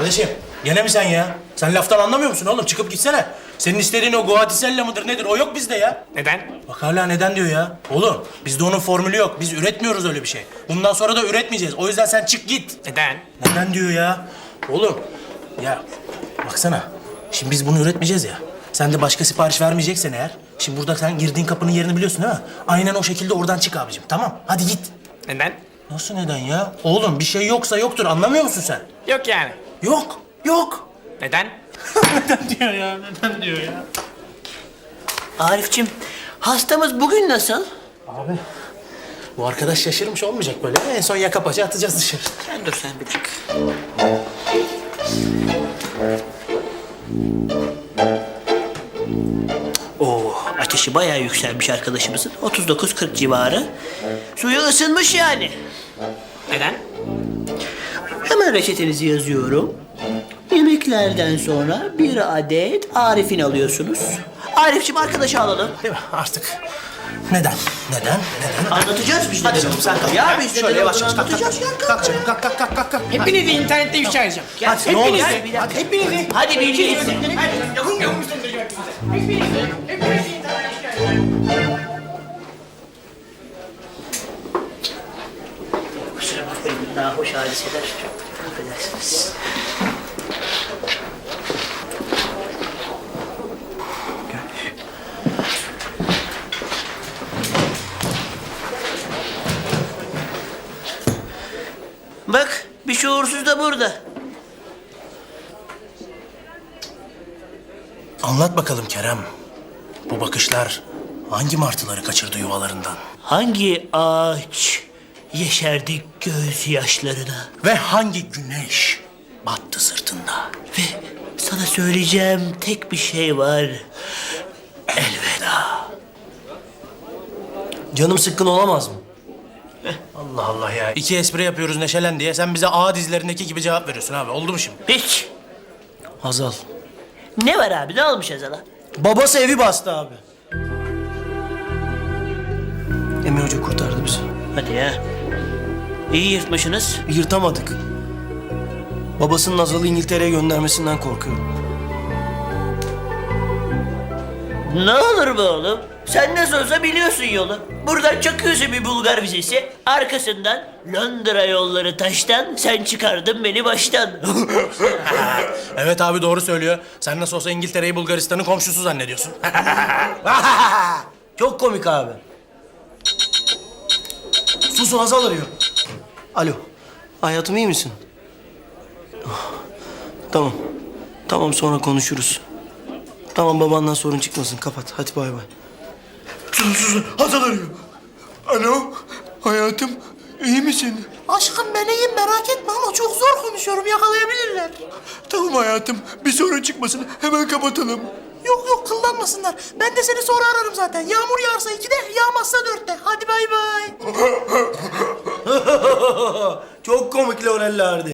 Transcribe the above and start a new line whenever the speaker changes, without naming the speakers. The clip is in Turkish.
Kardeşim gene mi sen ya? Sen laftan anlamıyor musun oğlum? Çıkıp gitsene. Senin istediğin o Guatisella mıdır nedir? O yok bizde ya.
Neden?
Bak hala neden diyor ya. Oğlum bizde onun formülü yok. Biz üretmiyoruz öyle bir şey. Bundan sonra da üretmeyeceğiz. O yüzden sen çık git.
Neden?
Neden diyor ya? Oğlum ya baksana. Şimdi biz bunu üretmeyeceğiz ya. Sen de başka sipariş vermeyeceksen eğer. Şimdi burada sen girdiğin kapının yerini biliyorsun değil mi? Aynen o şekilde oradan çık abicim. Tamam hadi git.
Neden?
Nasıl neden ya? Oğlum bir şey yoksa yoktur. Anlamıyor musun sen?
Yok yani.
Yok. Yok.
Neden?
Neden diyor ya? Neden diyor ya?
Arifçim, hastamız bugün nasıl?
Abi bu arkadaş şaşırmış olmayacak böyle. En son yaka paça atacağız dışarı.
Sen dur sen bir dakika. Oo, ateşi bayağı yükselmiş arkadaşımızın. 39-40 civarı. Suyu ısınmış yani.
Neden?
Hemen reçetenizi yazıyorum. Yemeklerden sonra bir adet Arif'in alıyorsunuz. Arif'cim arkadaşı alalım.
Değil mi? Artık. Neden? Neden? Neden?
Anlatacağız biz de.
Hadi canım sen kalk.
Ya biz de
Şöyle yavaş yavaş kalk,
anlatacağız
kalk.
ya.
Kalk canım kalk kalk kalk kalk. kalk.
Hepinizi internette ifşa edeceğim.
Hadi ne olur.
Hepinizi.
Hadi.
Hepinizi.
Hadi bir şey. Kusura bakmayın, daha hoş hadiseler. Affedersiniz. Bak, bir şuursuz da burada.
Anlat bakalım Kerem. Bu bakışlar hangi martıları kaçırdı yuvalarından?
Hangi ağaç yeşerdi gözyaşlarına?
Ve hangi güneş battı sırtında?
Ve sana söyleyeceğim tek bir şey var. Elveda.
Canım sıkkın olamaz mı? Allah Allah ya. İki espri yapıyoruz neşelen diye. Sen bize A dizilerindeki gibi cevap veriyorsun abi. Oldu mu şimdi?
Hiç.
Hazal.
Ne var abi? Ne olmuş Azal'a?
Babası evi bastı abi. Emre Hoca kurtardı bizi.
Hadi ya. İyi yırtmışsınız.
Yırtamadık. Babasının Hazal'ı İngiltere'ye göndermesinden korkuyorum.
Ne olur be oğlum? Sen nasıl olsa biliyorsun yolu. Buradan çakıyorsun bir Bulgar vizesi. Arkasından Londra yolları taştan. Sen çıkardın beni baştan.
Evet abi doğru söylüyor. Sen nasıl olsa İngiltere'yi Bulgaristan'ın komşusu zannediyorsun.
Çok komik abi. Susun, Hazal arıyor. Alo. Hayatım, iyi misin? Ah, tamam. Tamam, sonra konuşuruz. Tamam, babandan sorun çıkmasın. Kapat. Hadi bay bay. Susun. Hazal arıyor. Alo. Hayatım, iyi misin?
Aşkım ben iyiyim merak etme ama çok zor konuşuyorum yakalayabilirler.
Tamam hayatım. Bir sorun çıkmasın. Hemen kapatalım.
Yok yok kullanmasınlar. Ben de seni sonra ararım zaten. Yağmur yağarsa 2'de, yağmazsa 4'te. Hadi bay bay.
Çok komik Laurel'lerdi.